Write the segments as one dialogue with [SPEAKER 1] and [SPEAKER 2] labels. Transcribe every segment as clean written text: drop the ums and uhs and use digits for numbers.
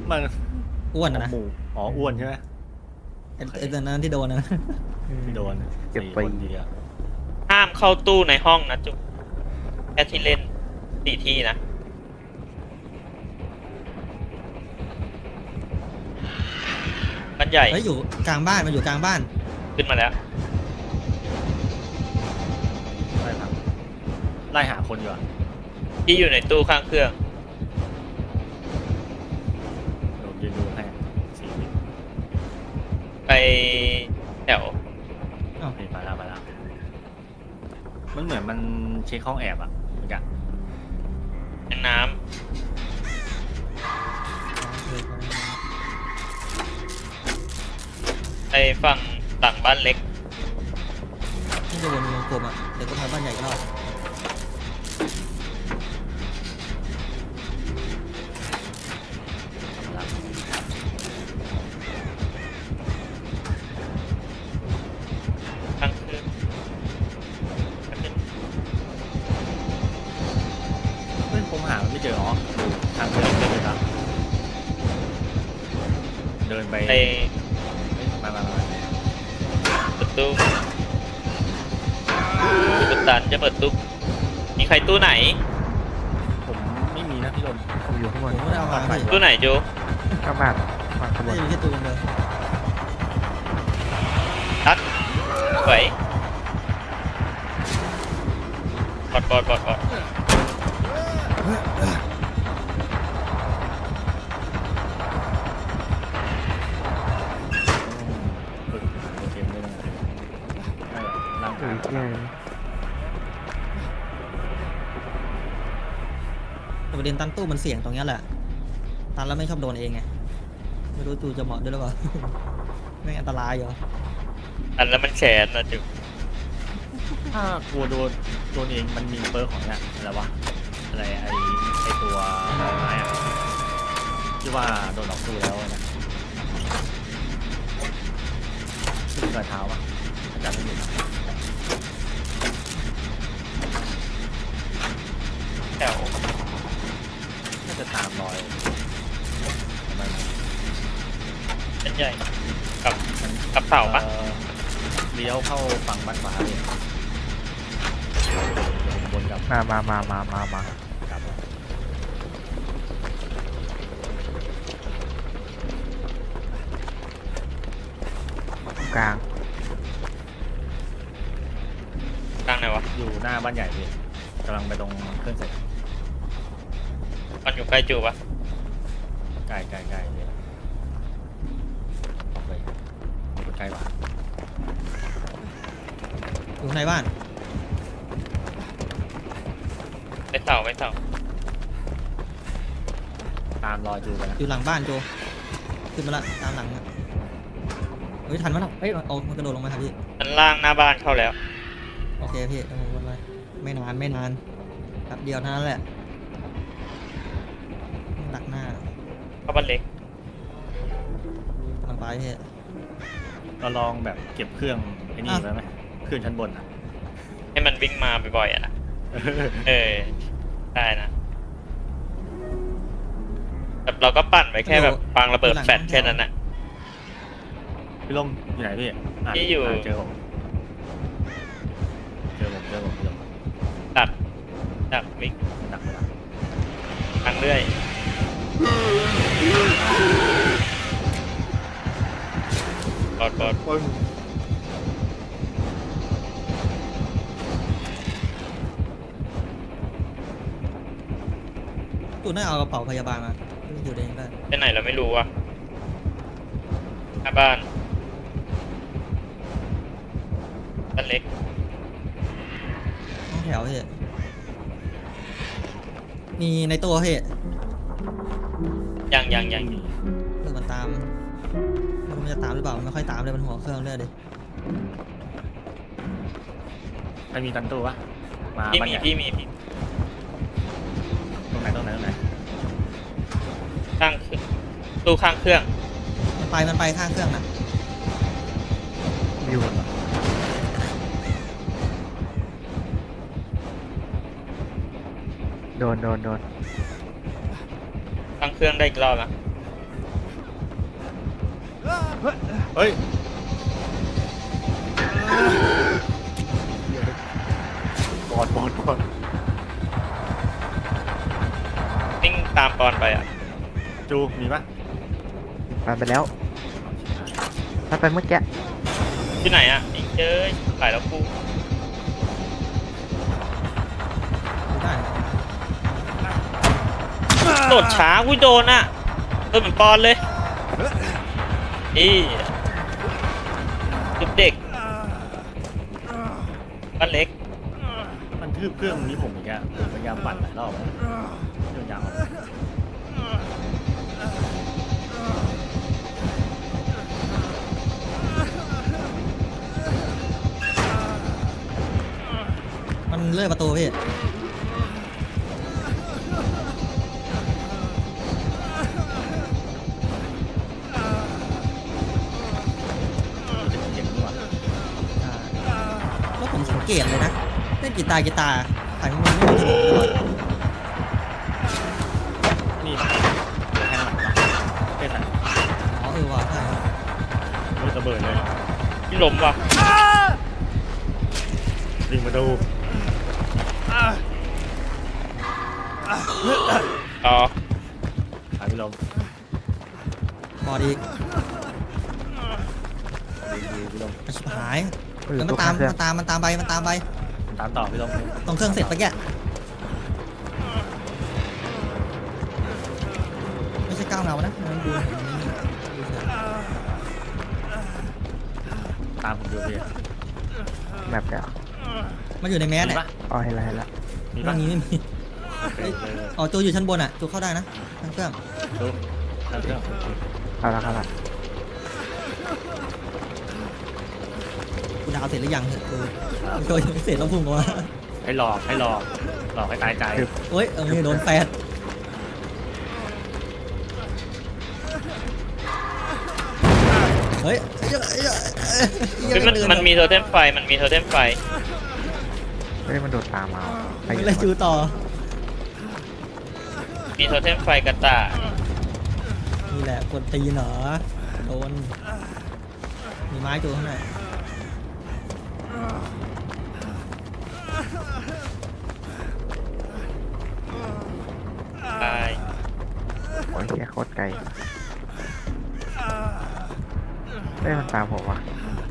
[SPEAKER 1] มัน
[SPEAKER 2] อ้วนนะ
[SPEAKER 1] หมูอ๋ออ้วนใช่ไหม
[SPEAKER 2] ไอ้ตอนนั้นที่โดนนะ
[SPEAKER 1] ที่โดน
[SPEAKER 3] เก็บ
[SPEAKER 1] 4
[SPEAKER 3] ไป
[SPEAKER 1] คนดีอะ
[SPEAKER 4] ห้ามเข้าตู้ในห้องนะจุ๊บแค่ที่เล่น4 ที่นะมันใหญ่
[SPEAKER 2] เฮ้ยอยู่กลางบ้านมันอยู่กลางบ้าน
[SPEAKER 4] ขึ้นมาแล้ว
[SPEAKER 1] ไล่ครับไล่หาคนอยู่อะ
[SPEAKER 4] ที่อยู่ในตู้ข้างเครื่อง
[SPEAKER 1] เดี๋ยวยืนดูให้4 วิ
[SPEAKER 4] ไปแถว
[SPEAKER 1] นี่มาแล้วมันเหมือนมันเช็คห้องแอบอะเหมือนกัน
[SPEAKER 4] แทงน้ำไปฝั่งหลังบ้านเล็ก
[SPEAKER 2] ที่จะวนวงกลมอ่ะเดี๋ยวก็พาบ้านใหญ่ก็รอด
[SPEAKER 1] มาแล้ว
[SPEAKER 4] ข้างเครื่องก็ขึ้น
[SPEAKER 1] เฮ้ยผมหามันไม่เจออ๋อดูทางเดินเลยครับเดินไป
[SPEAKER 4] ไป
[SPEAKER 1] มา
[SPEAKER 4] เปิดตู้กุตันจะเปิดตู้มีใครตู้ไหน
[SPEAKER 1] ผมไม่มีนะพี่ลม
[SPEAKER 3] ผมอยู่ข้างบ
[SPEAKER 2] ผ
[SPEAKER 3] น
[SPEAKER 2] มไม่ได้เอามาพี่
[SPEAKER 4] ตู้ไหนจู
[SPEAKER 3] ข้างบ้านข้างบ
[SPEAKER 2] ไม่
[SPEAKER 3] น
[SPEAKER 2] ได้มีแค่ตัวเดียว
[SPEAKER 4] ตัดไหวบอด
[SPEAKER 1] ฝึกโอเคไม่ได้ร่าง
[SPEAKER 3] เฮ้
[SPEAKER 1] กาย
[SPEAKER 3] ยเที่ย
[SPEAKER 2] แต่ประเด็นตันตู้มันเสี่ยงตรงเนี้ยแหละตันแล้วไม่ชอบโดนเองไงไม่รู้จูจะเหมาะด้วยหรือเปล่า ไม่งอันตรายอยู่
[SPEAKER 4] อันแล้วมันแขนนะจู
[SPEAKER 1] ถ้ากลัวโดนเองมันมีเปิร์กของเนี่ยอะไรวะอะไรไอตัวไม้อะที่ว่าโดนออกสู้แล้วนะขึ้นกระเท้าปะอาจารย์ไม่รู้
[SPEAKER 4] แถว
[SPEAKER 1] น่าจะตามรอยทำไมมัน
[SPEAKER 4] เป็นใหญ่กับ
[SPEAKER 1] มัน
[SPEAKER 4] กับเสาปะ
[SPEAKER 1] เลี้ยวเข้าฝั่งบ้านฟ้าเลยบนกับ
[SPEAKER 3] มา
[SPEAKER 1] กลับ
[SPEAKER 3] กลาง
[SPEAKER 4] กลางไหนวะ
[SPEAKER 1] อยู่หน้าบ้านใหญ่พี่กำลังไปตรงเครื่องเสร็จ
[SPEAKER 4] มันอยู่ใกล้จูปะ
[SPEAKER 1] ใกล้เลยออกไปอยู่ใกล้กว่า
[SPEAKER 2] อยู่ในบ้าน
[SPEAKER 4] ไปเสา
[SPEAKER 1] ตามรอยจูไปนะ
[SPEAKER 2] อยู่หลังบ้านโจขึ้นมาละตามหลังอะเฮ้ยทันมั้ยเฮ้ยเอามันกระโดดลงมาครับพี่
[SPEAKER 4] ชั้นล่างหน้าบ้านเข้าแล้ว
[SPEAKER 2] โอเคพี่เอาวนไปไม่นานครับเดียวเท่านั้นแหละดักหน้า
[SPEAKER 4] เข้าบ้านเล็ก
[SPEAKER 2] กำลังไปพี่
[SPEAKER 1] เราลองแบบเก็บเครื่องไอ้นี่ไว้ไหมเครื่องชั้นบนอ่ะ
[SPEAKER 4] ให้มันวิ่งมาบ่อยๆอ่ะนะได้นะแบบเราก็ปั่นไปแค่แบบปางระเบิดแฟลชแค่นั้นนะ
[SPEAKER 1] พี่ลมอยู่ไหนพี่ะ
[SPEAKER 4] พี่อยู่
[SPEAKER 1] เจอผมพี่ลม
[SPEAKER 4] ตัดจากวิ่ง
[SPEAKER 1] มันหนัก
[SPEAKER 4] ทางเรื่อยบอด
[SPEAKER 1] ปึ้ง
[SPEAKER 2] ตูน่าเอากระเป๋าพยาบาลมาไม่อยู่เองได้
[SPEAKER 4] ไปไหนเราไม่รู้ว่ะหน้าบ้านบ้านเล็ก
[SPEAKER 2] ห้องแถวพี่มีในตัวพี่
[SPEAKER 4] ยัง
[SPEAKER 2] เรื่องมันตามไม่รู้มันจะตามหรือเปล่ามันไม่ค่อยตามเลยมันหัวเครื่องเลยดิ
[SPEAKER 1] ใครมีตันตู้ปะมา
[SPEAKER 4] พี่
[SPEAKER 1] บ้าน
[SPEAKER 4] มี
[SPEAKER 1] ใหญ่
[SPEAKER 4] พี่มี
[SPEAKER 1] ตรงไหน
[SPEAKER 4] ข้างตู้ข้างเครื่อง
[SPEAKER 2] มันไปข้างเครื่องนะ
[SPEAKER 3] อยู่โดน
[SPEAKER 4] ข้างเครื่องได้อีกรอบนะ
[SPEAKER 1] เฮ้ยบอด
[SPEAKER 4] วิ่งตามปอนไปอ่ะ
[SPEAKER 1] จูมีปะ
[SPEAKER 3] ผ่านไปแล้วถ้าไปเมื่อกี้
[SPEAKER 4] ที่ไหนอ่ะอีกเจ้ยถ่ายแล้วกู
[SPEAKER 2] ไม่ได้นะ
[SPEAKER 4] โดดช้ากูโดนอ่ะโดนเหมือนปอนเลยนี่จุดเด็กบ้านเล็ก
[SPEAKER 1] มันทืบเครื่องนี้ผมอีกอะผมพยายามปั่นหลายรอบแล้วเครื่องยาว
[SPEAKER 2] มันเลื่อยประตูพี่
[SPEAKER 1] เจ๋งดีว่ะ
[SPEAKER 2] แล้วผมสังเกตเลยนะเล่นกีตาร์ถ่ายมันไม่มีถนนตลอด
[SPEAKER 1] นี่แทงหลังปะเท่สัน
[SPEAKER 2] อ๋อว่ะใช่ครับ
[SPEAKER 1] รถระเบิดเลย
[SPEAKER 4] ที่ล้มว่ะ
[SPEAKER 1] ดึงมาดู
[SPEAKER 4] อ๋อ
[SPEAKER 1] หายไปลม
[SPEAKER 2] พอดี
[SPEAKER 1] ดูพี่ลม
[SPEAKER 2] มันชิบหาย
[SPEAKER 3] อยู่
[SPEAKER 2] แล้วมั
[SPEAKER 3] ตั
[SPEAKER 2] น
[SPEAKER 3] ว
[SPEAKER 2] ตาม
[SPEAKER 3] เครื่อง
[SPEAKER 2] มันตามมันตามไปมันตามไป
[SPEAKER 1] ตามต่อพี่ลม
[SPEAKER 2] ตรงเครื่องเสร็จปะแกไม่ใช่ก้าวเงานะมันดูดูเฉย
[SPEAKER 1] ตามผมดูพี่
[SPEAKER 3] แบบเดียว
[SPEAKER 2] มันอยู่ในแมส
[SPEAKER 1] มี
[SPEAKER 2] เนี่ย
[SPEAKER 1] ปะ
[SPEAKER 3] อ๋อเห็นแล้วเห็นแล้ว
[SPEAKER 1] มี
[SPEAKER 2] เรื่
[SPEAKER 1] ปะ
[SPEAKER 2] องนี้ไม่มี
[SPEAKER 1] โอเค
[SPEAKER 2] อ๋อจูอยู่ชั้นบนอ่ะจูเข้าได้นะทั้งเครื่อง
[SPEAKER 1] ดูตามเครื่อง
[SPEAKER 3] เอาละครับละ
[SPEAKER 2] กูดาวเสร็จหรือยังเนี่ยจูยังไม่เสร็จแล้วพุ่งออกมา
[SPEAKER 1] ให้หลอกหลอกให้ตายใจ
[SPEAKER 2] โอ๊ยโดนแฟดเฮ้ย
[SPEAKER 4] มันมีโทเทมไฟมันมีโทเทมไฟ
[SPEAKER 3] ไม่ได้มันโดดตามมาไป
[SPEAKER 2] ไม่เลยจูต่อ
[SPEAKER 4] มีโทเทมไฟกระต่าย
[SPEAKER 2] นี่แหละกดตีนเหรอโดนมีไม้จูข้างใน
[SPEAKER 4] ตาย
[SPEAKER 3] โอ้ยแค่โคตรไกลเฮ้ยมันตามผมว่ะ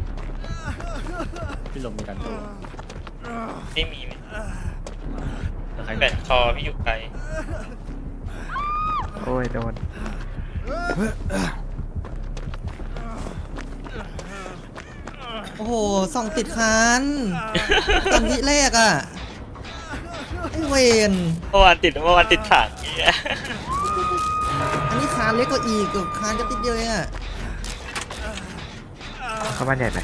[SPEAKER 1] พี่ลมมีการตัว
[SPEAKER 4] ไม่มีไหม
[SPEAKER 1] แล้วใคร
[SPEAKER 4] แบนคอพี่อยู่ไกล
[SPEAKER 3] โอ้ยโดน
[SPEAKER 2] โอ้โหส่องติดคันตอนวิแรกอ่ะไอเวน
[SPEAKER 4] เมื่อวานติดถังเนี่ย
[SPEAKER 2] อันนี้คานเล็กกว่าอีกคานก็ติดเดียวเองอ่ะ
[SPEAKER 3] เข้าบ้านใหญ่ไป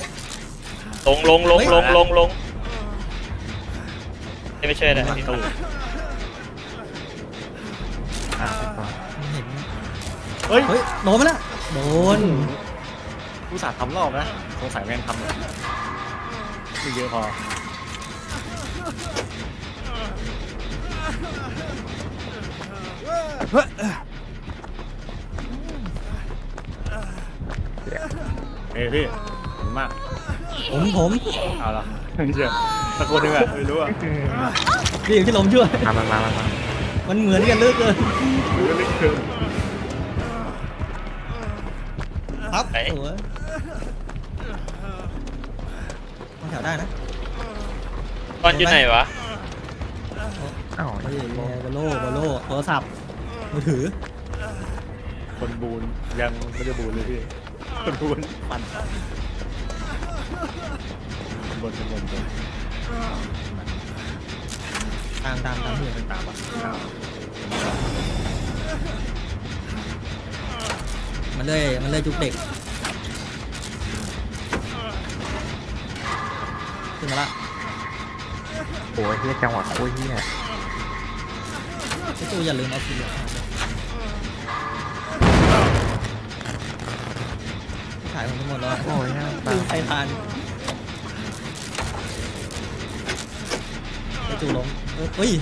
[SPEAKER 4] ลงไม่ช่วยอะไรพี่
[SPEAKER 1] ตู้
[SPEAKER 3] อ่ะต่อ
[SPEAKER 2] เห็น
[SPEAKER 1] เฮ้ย
[SPEAKER 2] เฮ้ยโดนมาละโดน
[SPEAKER 1] ผู้สาห์ทำรอบนะสงสัยแม่งทำเลยไม่เยอะพอ เฮ้ยพี่ขอบคุณมาก
[SPEAKER 2] ผม
[SPEAKER 1] เอาละเชื่อตะโกนยังไงไม่รู้อ่ะ
[SPEAKER 2] พี่พี่ลมช่วย
[SPEAKER 3] มา
[SPEAKER 2] มันเหมือนกันเหลือกเกิน
[SPEAKER 1] หรือเล็กเกิน
[SPEAKER 2] ครับโอ้ยมันแถวได้นะ
[SPEAKER 4] ตอนอยู่ไหนวะ
[SPEAKER 3] อ้าว
[SPEAKER 2] เฮ้ยบอลโล่โทรศัพท์มือถือ
[SPEAKER 1] คนบูนยังไม่ได้บูนเลยพี่คนบูนปั่นบนบน
[SPEAKER 2] ตามพี่
[SPEAKER 1] เป็นตามอ่ะ
[SPEAKER 2] มันเลยจุกเด็กขึ้นมาละ
[SPEAKER 3] โอ้ยเฮียจังหวะโคตรเฮีย
[SPEAKER 2] พี่จูอย่าลืมเอาสีเหลืองขายผมไปหมดแล้ว
[SPEAKER 3] โอ้ยเนี่ยตา
[SPEAKER 2] ลื
[SPEAKER 3] ม
[SPEAKER 2] มใครทานพี่จูล้มเฮ้ย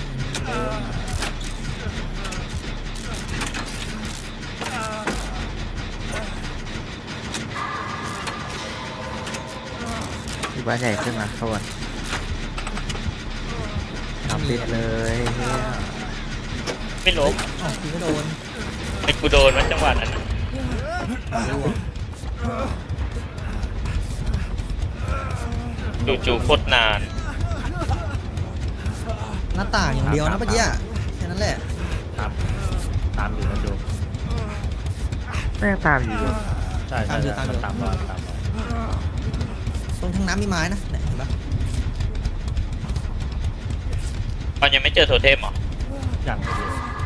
[SPEAKER 3] บ้านใหญ่ขึ้นมาโซนทำติดเลยเฮีย
[SPEAKER 4] ไม่ล้ม
[SPEAKER 2] อ๋อกูไม่โดน
[SPEAKER 4] ไอ้กูโดนมันจังหวะนั้นน่ะ
[SPEAKER 2] ร่วง
[SPEAKER 4] จู่ๆโคตรนาน
[SPEAKER 2] หน้าต่างอย่างเดียวนะเมื่อกี้อะแค่นั้นแหละ
[SPEAKER 1] ครับตามอยู่นะดู
[SPEAKER 3] แม่งตามอยู่
[SPEAKER 1] ใช่ใช่ใช่มันตามรอยตามรอย
[SPEAKER 2] ตรงทางน้ำมีไม้นะเนี่ยเห็นปะ
[SPEAKER 4] ตอนยังไม่เจอโทเทมเหรอ
[SPEAKER 1] อย่างเดียว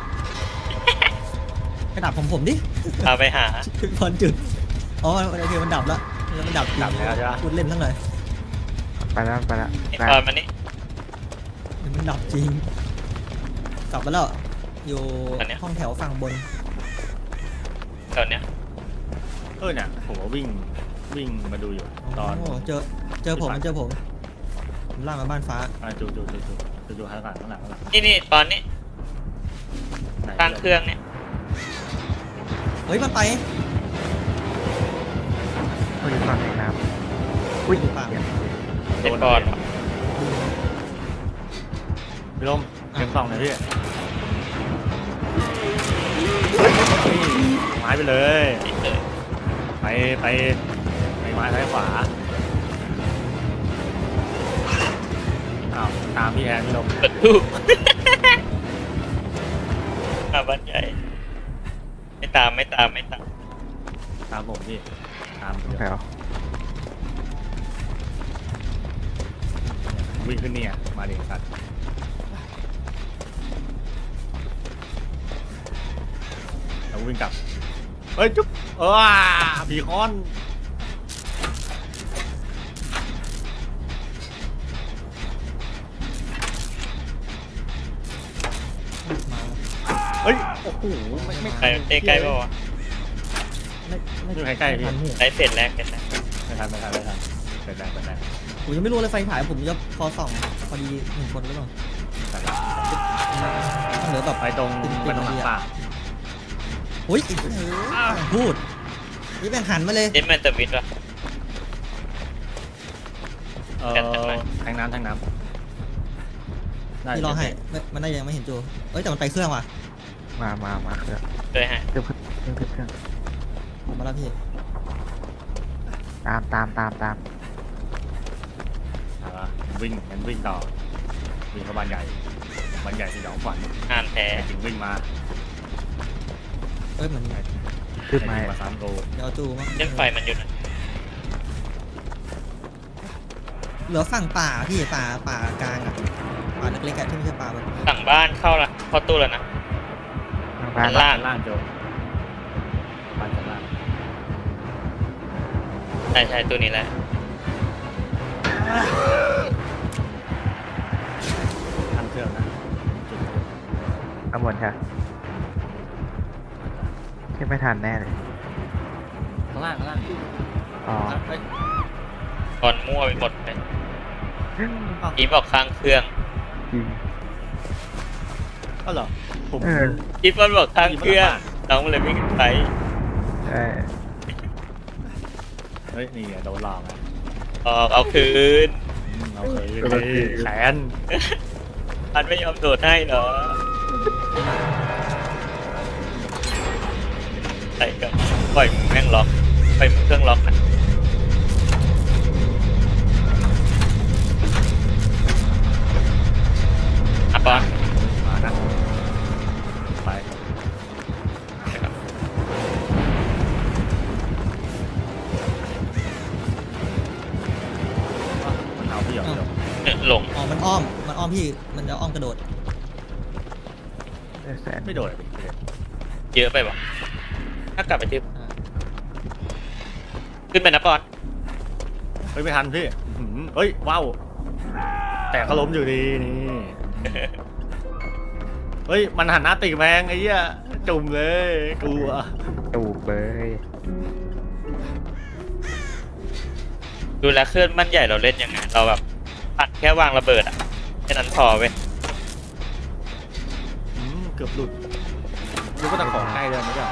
[SPEAKER 2] กระดับผมดิ
[SPEAKER 4] พาไปหา
[SPEAKER 2] พรจุดอ๋อโอเคมันดับแล้วมันดับจริง
[SPEAKER 1] ดับแล้วใช่ปะ
[SPEAKER 2] พูดเล่นทั้งเลย
[SPEAKER 3] ไปแล้วไปแล้ว
[SPEAKER 4] ไอ้
[SPEAKER 3] ไป
[SPEAKER 4] ตอนมันนี่
[SPEAKER 2] มันดับจริงกลับมาแล้วอยู่ห้องแถวฝั่งบน
[SPEAKER 4] แถวเนี้ย
[SPEAKER 1] เนี่ยผมก็วิ่งมาดูอยู่ตอน
[SPEAKER 2] โอ้เจอผมผมล่ากมาบ้านฟ้า
[SPEAKER 1] จูข้างหลังข้างหลัง
[SPEAKER 4] นี่ตอนนี้
[SPEAKER 1] ไหน
[SPEAKER 4] ตั้งเครื่องเนี่ย
[SPEAKER 2] เฮ้ยมันไป
[SPEAKER 3] เขาอยู่ฝั่งไหนน้ำอุ้ย
[SPEAKER 2] ปาก
[SPEAKER 3] เหี้ย
[SPEAKER 4] ไอ้ปอนเหรอ
[SPEAKER 1] พี่ลมเก็บกล่องหน่อยพี่ไม้ไปเลย
[SPEAKER 4] ติดเลย
[SPEAKER 1] ไปไม้ซ้ายขวาอ้าวตามพี่แอนพี่ลม
[SPEAKER 4] เปิดตู้ มาบ้านใหญ่ไม่ตาม
[SPEAKER 1] ตามผมพี่ตามเดี๋ยว
[SPEAKER 3] แถว
[SPEAKER 1] วิ่งขึ้นเนี่ยมาดิสัตว์แล้ววิ่งกลับเฮ้ยจุ๊บผีคอนเฮ้ยโอ้โหไม่
[SPEAKER 4] ใครใกล้ๆป่าวะ
[SPEAKER 1] อยู่ใกล้ๆพี่
[SPEAKER 2] ทันพี่
[SPEAKER 4] ได้เสร็จแรกกันนะ
[SPEAKER 1] ไม่ทันเปิดแรง
[SPEAKER 2] ผมยังไม่รู้เลยไฟฉายผมจะพอส่องพอดีหนึ่งคนหรือเปล่าเหลือแบบ
[SPEAKER 1] ไปตรงหลังป่า
[SPEAKER 2] อุ้ยพูดนี่แบ่งหันมาเลย
[SPEAKER 4] เจมมันจะวิทย์วะ
[SPEAKER 1] แทงน้ำได้
[SPEAKER 2] พี่รอให้มันได้ยังไม่เห็นจูเอ้ยแต่มันไปเครื่องว่ะ
[SPEAKER 3] มาเครื่อง
[SPEAKER 4] เลยฮะ
[SPEAKER 3] เครื่อง
[SPEAKER 2] ผมมาแล้วพี่
[SPEAKER 3] ตาม
[SPEAKER 1] วิ่งต่อวิ่งเข้าบ้านใหญ่สยองขวัญ
[SPEAKER 4] งานแท้
[SPEAKER 1] ถึงวิ่งมา
[SPEAKER 2] เอ้ยเหมือน
[SPEAKER 3] ขึ้นไม้
[SPEAKER 1] มา3 โล
[SPEAKER 2] เดี๋ยวเอาจูมา
[SPEAKER 4] เล่นไฟมันอยู่นะ
[SPEAKER 2] เหลือฝั่งป่าพี่ป่ากลางอ่ะป่าเล็กๆอะที่ไม่ใช่ป่าแบบ
[SPEAKER 4] สั่งบ้านเข้าตู้แล้วนะ
[SPEAKER 3] บ้าน
[SPEAKER 4] ล่าง
[SPEAKER 1] ล่างโจบ้านชั้นล่าง
[SPEAKER 4] ใช่ตัวนี้แหละ
[SPEAKER 1] ทันเครื่องนะจุด
[SPEAKER 3] เอาหมดใช่ที่ไม่ทันแน่เลย
[SPEAKER 1] ข้างล่าง
[SPEAKER 3] อ๋อ
[SPEAKER 1] เฮ้ย
[SPEAKER 4] ก่อนมั่วไปหมดเลยอีบอกข้างเครื่อง
[SPEAKER 3] จริง
[SPEAKER 1] ก็เหรอผม
[SPEAKER 4] อีฟอนบอกข้างเครื่องน้องเลยวิ่งไป
[SPEAKER 3] ใช่
[SPEAKER 1] เฮ้ยนี่โดนหลอกอ่ะ
[SPEAKER 4] เอาคืน
[SPEAKER 1] เราเคยแขน
[SPEAKER 4] มันไม่ยอมโดดให้เหรอใส่กับปล่อยมึงแม่งล็อกปล่อยมึงเครื่องล็อกนะอ่ะปอน
[SPEAKER 1] มานะไป
[SPEAKER 4] นะครับ
[SPEAKER 1] มันเอาพี่หยอก
[SPEAKER 4] หลง
[SPEAKER 2] อ๋อมันอ้อมพี่มันจะอ้อมกระโดด
[SPEAKER 3] ได้แสน
[SPEAKER 1] ไม่โดน
[SPEAKER 4] เยอะไปปะถ้ากลับไปที่
[SPEAKER 2] อ่า
[SPEAKER 4] ขึ้นไปนะปอน
[SPEAKER 1] เฮ้ยไม่ทันพี่เฮ้ยว้าวแต่ก็ล้มอยู่ดีนี่เฮ้ยมันหันหน้าติแมงไอ้เหี้ยจุ่มเลยกลัว
[SPEAKER 3] ตูบเลย
[SPEAKER 4] ดูแลเคลื่อนมันใหญ่เราเล่นยังไงเราแบบปัดแค่วางระเบิดอ่ะแค่นั้นพอเว้ย
[SPEAKER 1] เกือบหลุดรู้ว่าตะขอใกล้เลยไม่ใช่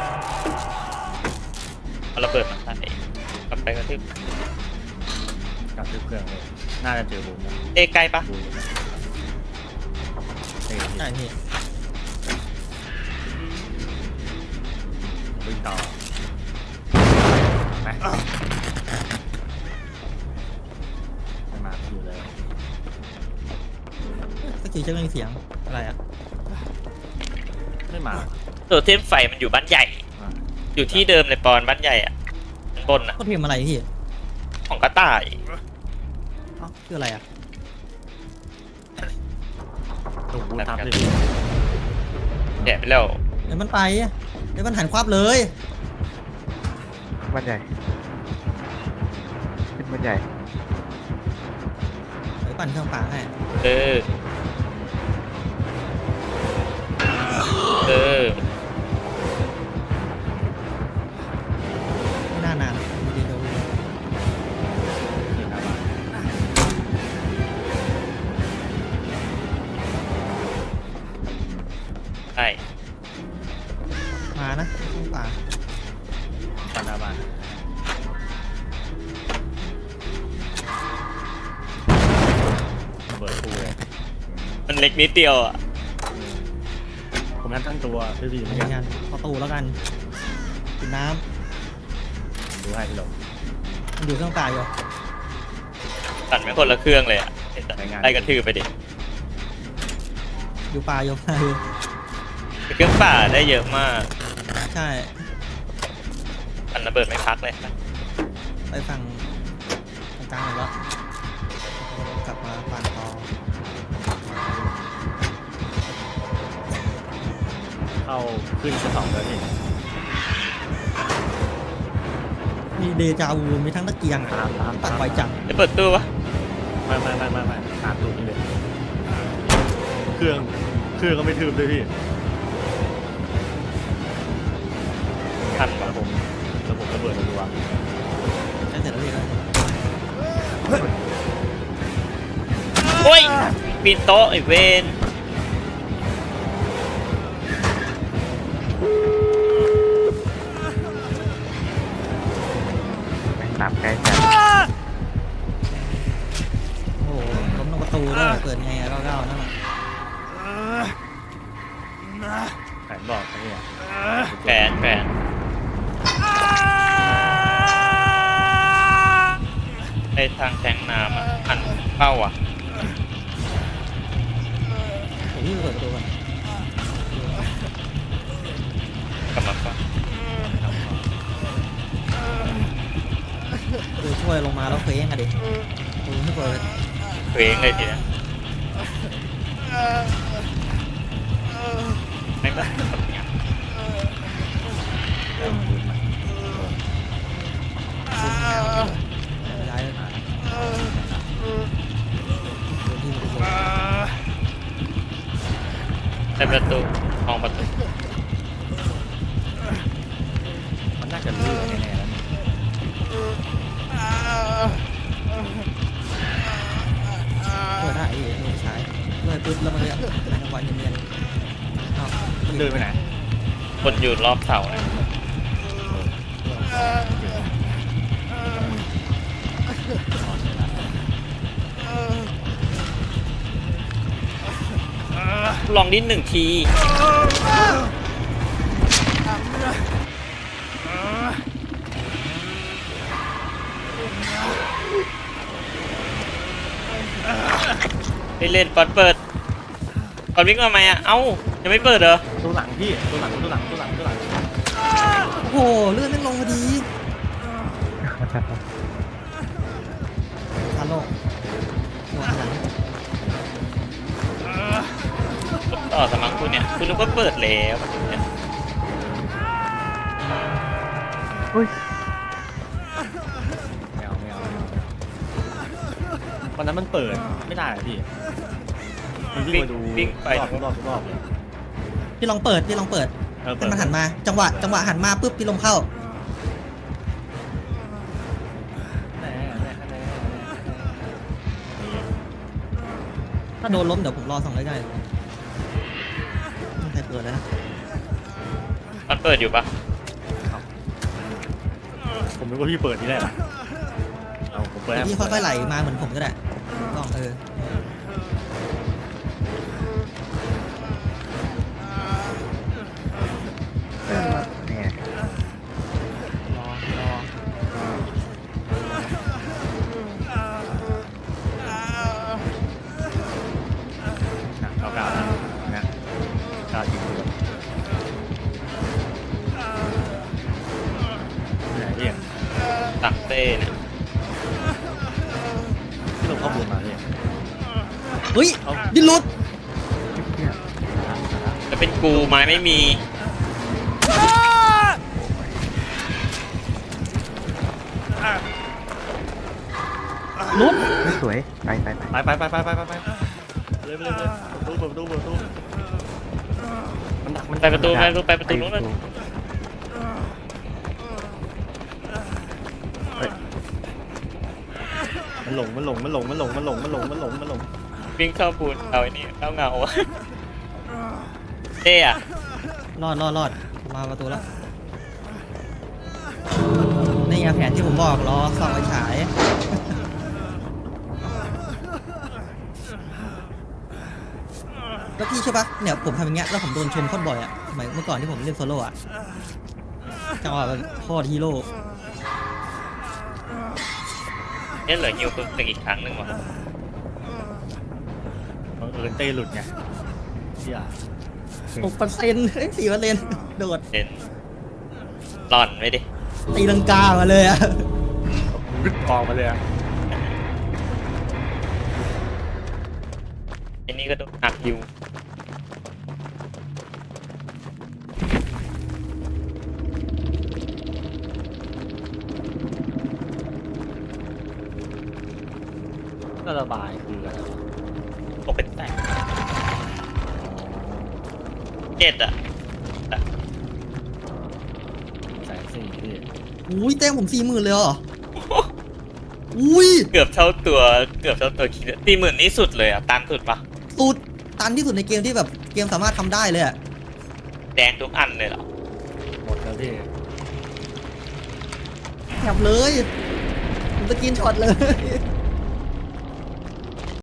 [SPEAKER 4] เอาระเบิดมาใส่กลับไปก็ที่
[SPEAKER 1] กกับเครื่องเลยน่าจะเจอบูมนะ
[SPEAKER 4] เอไกลปะ
[SPEAKER 1] บูมนะเฮ้ย
[SPEAKER 2] ใช่พี่
[SPEAKER 1] วิ่งต่อไปไม่มาอยู่เลย
[SPEAKER 2] สกิลเช็คไม่มีเสียงอะไรอ่ะ
[SPEAKER 1] ไม่มา
[SPEAKER 4] ตัวเทมไฟมันอยู่บ้านใหญ่
[SPEAKER 1] อ่ะ
[SPEAKER 4] อยู่ที่เดิมเลยปอนบ้านใหญ่อะชั้นบนอะ
[SPEAKER 2] ก็พิมพ์อะไรพี่
[SPEAKER 4] ของกระต่าย
[SPEAKER 2] เอ้าคืออะไรอ่ะ
[SPEAKER 1] ถูกบูมทับเลย
[SPEAKER 4] แกะไปแล้ว
[SPEAKER 2] เดี๋ยวมันไปเดี๋ยวมันหันควับเลย
[SPEAKER 3] บ้านใหญ่ขึ้นบ้านใหญ่
[SPEAKER 2] เดี๋ยวปั่นเครื่องป่าให้
[SPEAKER 4] เออเออ
[SPEAKER 2] ไม่น่านานเดี๋ยว
[SPEAKER 1] ขึ้นหน้าบ้าน
[SPEAKER 4] ใช่
[SPEAKER 2] มานะเครื่องป่า
[SPEAKER 1] ปันหน้าบ้านระเบิดปูเลย
[SPEAKER 4] มันเล็กนิดเดียวอะ
[SPEAKER 1] ผมนั่นทั้งตัวพี่ๆเหมือน
[SPEAKER 2] เหมื
[SPEAKER 1] กั
[SPEAKER 2] อน
[SPEAKER 1] น
[SPEAKER 2] กันประตูแล้วกันกินน้
[SPEAKER 1] ดูให้พี่หลง
[SPEAKER 2] ำมันอยู่เครื่องป่าอยู่
[SPEAKER 4] สั่นเป็นคนละเครื่องเลยอะไล่กระทืบไปดิ
[SPEAKER 2] อยู่ป่าอยู่ป่าอยู่
[SPEAKER 4] เครื่องป่าได้เยอะมาก
[SPEAKER 2] ใช่
[SPEAKER 4] มันระเบิดไม่พักเลย
[SPEAKER 2] ไปฝั่งกลางๆหมดแล้วกลับมาปั่นต่อ
[SPEAKER 1] เข้าขึ้นชั้น2เลยพี่
[SPEAKER 2] มีเดจาวูมีทั้งตะเกียงอ่ะตัดไวจัง
[SPEAKER 4] จะเปิดตู้ปะ
[SPEAKER 1] ไม่ตามตูดนี่เลยเครื่องก็ไม่ทืบด้วยพี่
[SPEAKER 4] ทัน
[SPEAKER 1] แล้
[SPEAKER 4] ปะ
[SPEAKER 1] วผมระเบิดรัว
[SPEAKER 2] ใช้เสร็จแล้วพี่เลย
[SPEAKER 4] โอ้ยปีนโต๊ะไอ้เวน
[SPEAKER 3] แม่งตามใกล้จัด
[SPEAKER 2] โอ้โหล้มตรงประตูด้วยเปิดไงอะเก้าๆนั่นแหละ
[SPEAKER 1] แผนบอกนะเนี่ย
[SPEAKER 4] แฟนไอ้ทางแทงน้ำอะหันเข้าอ่ะ
[SPEAKER 2] ผมพี่ไปเปิดประตูก่อน
[SPEAKER 4] กลับมาปะ
[SPEAKER 2] ดูช่วยลงมาแล้วเคว้งอะดิดูให้เปิด
[SPEAKER 4] เคว้งเลยทีเนี้ยไม่ได้แบบเนี้ย
[SPEAKER 2] ย้ายที่ประตู
[SPEAKER 4] ในประตูห้องประตู
[SPEAKER 1] มันน่าจะลื่นแน่ๆแล้วนี่
[SPEAKER 2] เปิดได้อีกไม่ใช้เลยปุ๊บแล้วมันเลยจังหวะเนียนๆอ้าว
[SPEAKER 1] มันเดินไปไหน
[SPEAKER 4] คนอยู่รอบเสาเนี่ยลองนิด1 ทีไปเล่นปอนเปิดปอนวิ่งมาไหมอ่ะ เอ้า ยังไม่เปิดเหรอ
[SPEAKER 1] ตัวหลังพี่ตัวหลัง
[SPEAKER 2] โอ้โหเลื่อนไม่ลงพอดีทันโลกหัวหลัง
[SPEAKER 4] ต่อสมังคุณเนี่ย คุณนึกว่าเปิดแล้วเนี่ย
[SPEAKER 3] อุ้ย
[SPEAKER 1] ไม่เอาวันนั้นมันเปิดไม่ได้อะพี่มันวิ่งมาดู
[SPEAKER 4] วิ่งไป
[SPEAKER 1] รอบเลย
[SPEAKER 2] พี่ลองเปิดพี่ลองเปิด
[SPEAKER 1] เปิ
[SPEAKER 2] ให้
[SPEAKER 1] ด
[SPEAKER 2] มันหันมาจังหวะหันมาปุ๊บพี่ลมเข้า ถ้าโดนล้มเดี๋ยวผมรอส่องใกล้ๆไม่ใครเปิดเลยนะ
[SPEAKER 4] มันเปิดอยู่ปะ
[SPEAKER 1] ผมนึกว่าพี่เปิดที่แรกอะเอาผมเปิดปิดให้
[SPEAKER 2] พี่ค่อยๆไหลมาเหมือนผมก็ได้ลอง
[SPEAKER 3] เนี่ย
[SPEAKER 1] รอเอากาวนะกาวจริงด้วยไหนพี่
[SPEAKER 4] ตักเต้เนี่ย
[SPEAKER 1] ที่ลงข้อมูลมาพี่
[SPEAKER 2] เฮ้ยดินหลุด
[SPEAKER 3] เนี่ย
[SPEAKER 4] จะเป็นกูไม้ไม่มี
[SPEAKER 2] หลุด
[SPEAKER 3] ไม่สวยไป
[SPEAKER 1] ไปเลยเปิดประตูมันดักมัน
[SPEAKER 4] ไปประตูนู้นเลย
[SPEAKER 1] มันหลง
[SPEAKER 4] วิ่งเข้าปูนเอาไอ้นี่เข้าเงาอะเต้อะ
[SPEAKER 2] รอดมาประตูแล้วนี่ไงแผนที่ผมบอกรอส่องไฟฉายแล้วพี่ใช่ปะเนี่ยผมทำอย่างเงี้ยแล้วผมโดนชมโคตรบ่อยอะสมัยเมื่อก่อนที่ผมเล่นโซโล่อะจังหวะแบบโคตรฮีโร่
[SPEAKER 4] เนี่ยเหลือฮิวตัวอีกครั้งหนึ่งวะ
[SPEAKER 1] บังเอิญเต้หลุดไงเชี่ย
[SPEAKER 2] 6% 4%โดด
[SPEAKER 4] เด่นหล่อนไว้ดิ
[SPEAKER 2] ตีลังกามาเลยอะ
[SPEAKER 1] รึดกองมาเลยอะ
[SPEAKER 4] ไอ้นี่ก็โดนหักฮิว
[SPEAKER 1] ก็ระบายคืออะไรวะ
[SPEAKER 4] ตกเป็นแตกเจ็ดอะ
[SPEAKER 1] แสนสี่พี่
[SPEAKER 2] อุ้ยแต้มผม40,000เลยเหรออุ้ย
[SPEAKER 4] เกือบเท่าตัวคิด40,000นี่สุดเลยอะตันสุดปะ
[SPEAKER 2] สุดตันที่สุดในเกมที่แบบเกมสามารถทำได้เลยอะ
[SPEAKER 4] แดงทุกอันเลยเหรอ
[SPEAKER 1] หมดแล้วพี่
[SPEAKER 2] แถบเลยผมสกินช็อตเลย